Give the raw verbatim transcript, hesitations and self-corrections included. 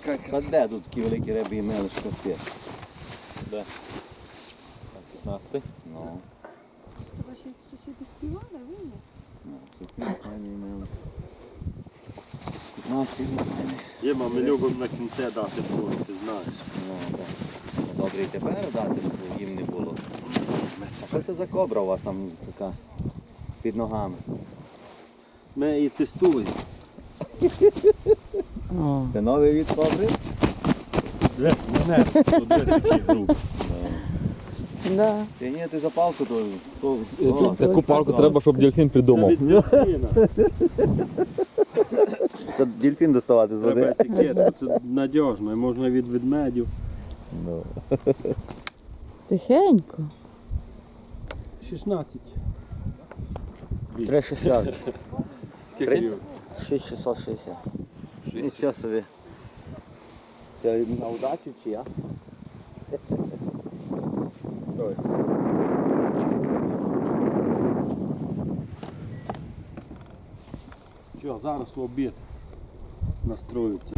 яка Та краса. де тут такі великі риби і мели шкафи? Де? п'ятнадцятий? Ну, Ваші сусіди співали, ви ні? ну, сухі, файні мели. п'ятнадцять файні. Єма, ми любимо на кінці дати фору, ти знаєш. Ну, так. Добре і тепер дати, щоб їм не було. А що це за кобра у вас там така під ногами? Ми її тестуємо. Це новий від кобри? Дивись, мене, тут дивись, який груб. Да. Ти ні, ти за палку то... то- о, Таку палку треба, щоб дельфін Це придумав. від дельфіна. Це дельфін доставати з Треба води. етикетку, це надіжно, і можна від ведмедів. Ну. Тихенько. шістнадцять. Три шістдесят. Скільки? шість шістсот шістдесят. Нічого собі. Це на удачу чи я? Ой. Що, зараз в обід настроїться.